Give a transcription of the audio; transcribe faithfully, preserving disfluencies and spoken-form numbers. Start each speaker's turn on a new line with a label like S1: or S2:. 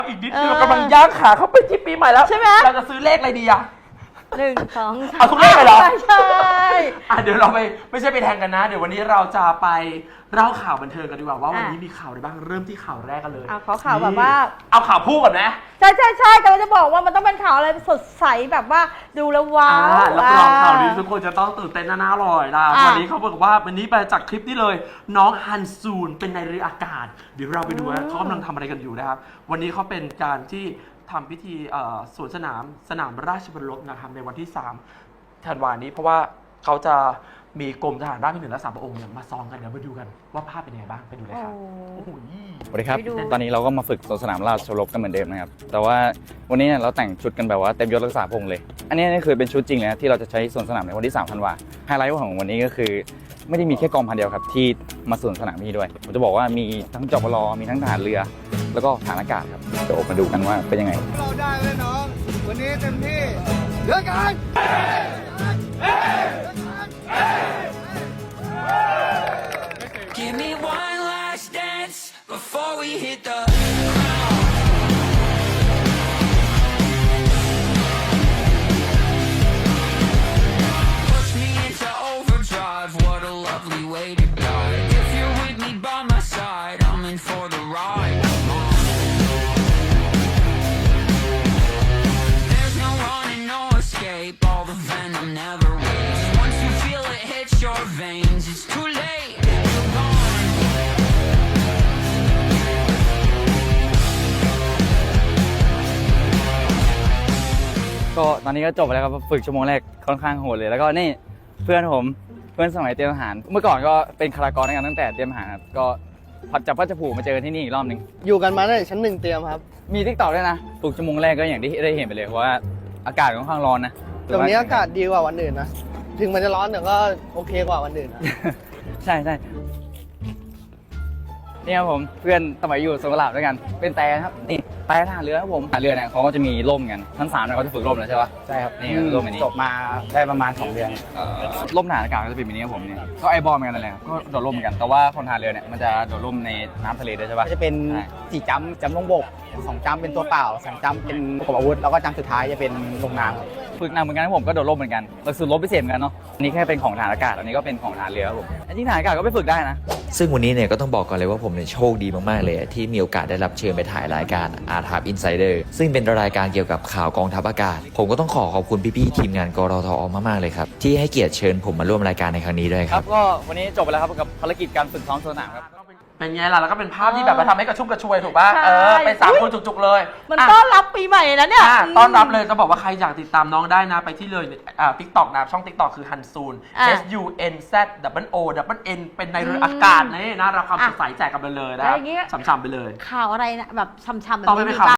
S1: อีกนิดเดียวกำลังย่างขาเข้าไปที่ปีใหม่แล้วใช่ไหมเราจะซื้อเลขอะไรดีอะ
S2: หนึ่งสองสาม
S1: เอาทุกเลขเลยเหรอ
S2: ใช่
S1: อ่ะเดี๋ยวเราไปไม่ใช่ไปแทงกันนะเดี๋ยววันนี้เราจะไปเล่าข่าวบันเทิงกันดีกว่าว่าวันนี้มีข่าวอะไรบ้างเริ่มที่ข่าวแรกกันเลย
S2: เอาขอข่าวแบบว่า
S1: เอาข่าวพูดก่อนนะ
S2: ใช่ใช่ใช่กำลังจะบอกว่ามันต้องเป็นข่าวอะไรสดใสแบบว่าดูแล้วว้าว
S1: แล้วรองข่าวนี้ทุกคนจะต้องตื่นเต้นน่าอร่อยนะวันนี้เขาบอกว่าวันนี้ไปจากคลิปนี้เลยน้องฮันซูนเป็นในเรืออากาศเดี๋ยวเราไปดูว่าเขากำลังทำอะไรกันอยู่นะครับวันนี้เขาเป็นการที่ทำพิธีสวนสนามสนามราชบรรลบนะครับในวันที่สามธันวาคมนี้เพราะว่าเขาจะมีกรมทหารราบที่หนึ่งและสามพระองค์เนี่ยมาซ้อมกันเดี๋ยวมาดูกันว่าภาพเป็นยังไงบ้างไปดูเลยครับโอ้โห
S3: สวัสดีครับตอนนี้เราก็มาฝึกสวนสนามราชรบกันเหมือนเดิมนะครับแต่ว่าวันนี้เราแต่งชุดกันแบบว่าเต็มยศรักษาพงษ์เลยอันนี้นี่คือเป็นชุดจริงเลยนะที่เราจะใช้สวนสนามในวันที่สามธันวาไฮไลท์ของวันนี้ก็คือไม่ได้มีแค่กองพันเดียวครับที่มาสวนสนามนี้ด้วยผมจะบอกว่ามีทั้งจปรมีทั้งทหารเรือแล้วก็ทหารอากาศครับเดี๋ยวมาดูกันว่าเป็นยังไง
S4: เราได้เลยน้องวันนี้เต็มที่เลือกกัน
S5: Give me one last dance before we hit the push me into overdrive. What a lovely way to die. If you're with me by my side, I'm in for the ride. Come on. There's no running, no escape. All the venom never waits. Once you feel it hit your veins, it's too late.
S3: ก็ตอนนี้ก็จบไปแล้วครับฝึกชั่วโมงแรกค่อนข้างโหดเลยแล้วก็นี่เพื่อนผมเพื่อนสมัยเตรียมทหารเมื่อก่อนก็เป็นคารากรด้วยกันตั้งแต่เตรียมทหารครับก็พัดจับพัดจะผูกมาเจอที่นี่อีกรอบหนึ่ง
S4: อยู่กันมาตั้งแต่ชั้นหนึ่งเตรียมครับ
S3: มีทิกตอกด้วยนะฝึกชั่วโมงแรกก็อย่างที่ได้เห็นไปเลยเพราะว่าอากาศค่อนข้างร้อนนะ
S4: ตรงนี้อากาศดีกว่าวันอื่นนะถึงมันจะร้อนแต่ก็โอเคกว่าวันอื่นนะ
S3: ใช่ใช่นี่ครับผมเพื่อนสมัยอยู่สงขลาด้วยกันเป็นแต่ครับนี่แต่ทหารเรือครับผมทหารเรือเนี่ยเขาก็จะมีร่มกันทั้งสามเนี่ยเขาจะฝึกร่มแล้วใช่ปะ
S6: ใช่ครับ
S3: นี่ร่มอันนี้
S6: จบมาได้ประมาณสองเดือน
S3: ร่มทหารอากาศก็จะเป็นแบบนี้ครับผมเนี่ยก็ไอบอลเหมือนกันนั่นแหละก็โดดร่มเหมือนกันแต่ว่าคนทหารเรือเนี่ยมันจะโดดร่มในน้ำทะเลด้วยใช่ปะ
S6: จะเป็นสี่จัมป์จัมป์ลงบกสองจัมป์เป็นตัวเปล่าสามจัมป์เป็นประกอบอาวุธแล้วก็จัมป์สุดท้ายจะเป็นลงน้ำครับ
S3: ฝึกหนักเหมือนกันผมก็โดดร่มเหมือนกันหลักสูตรรบพิเศษเหมือนกันเนาะอันนี้แค่เป็นของทหารอากาศอันนี้ก็เป็นของทหารเรือครับผมจริงทหารอากาศก็ไปฝึกได้นะ
S7: ซึ่งวันนี้เนี่ยก็ต้องบอกก่อนเลยว่าผมเนี่ยโชคดีมากๆเลยที่มีโอกาสได้รับเชิญไปถ่ายรายการ อาร์ ที เอ Insider ซึ่งเป็นรายการเกี่ยวกับข่าวกองทัพอากาศผมก็ต้องขอขอบคุณพี่ๆทีมงานกรทอมากๆเลยครับที่ให้เกียรติเชิญผมมาร่วมรายการในครั้งนี้ด้วยครับ
S3: ก็วันนี้จบไปแล้วครับกับภารกิจการฝึกซ้อมสนามครับ
S1: เป็นไงล่ะแล้วก็เป็นภาพที่แบบมาทำให้กระชุ่มกระชวยถูกป่ะเออเป็นสามคนจุกๆเลย
S2: มันต้อนรับปีใหม่นะเนี่ย
S1: ต้อนรับเลยจะบอกว่าใครอยากติดตามน้องได้นะไปที่เลยอ่า TikTok นะช่อง TikTok คือฮันซูน S U N Z W O W N เป็นในเรืออากาศนี่นะรับความสดใสแจกกันไปเลยนะครับฉ่ำๆไปเลย
S2: ข่าวอะไรนะแบบฉ่ำๆแบบ
S1: ต้องไปเป็นข่าว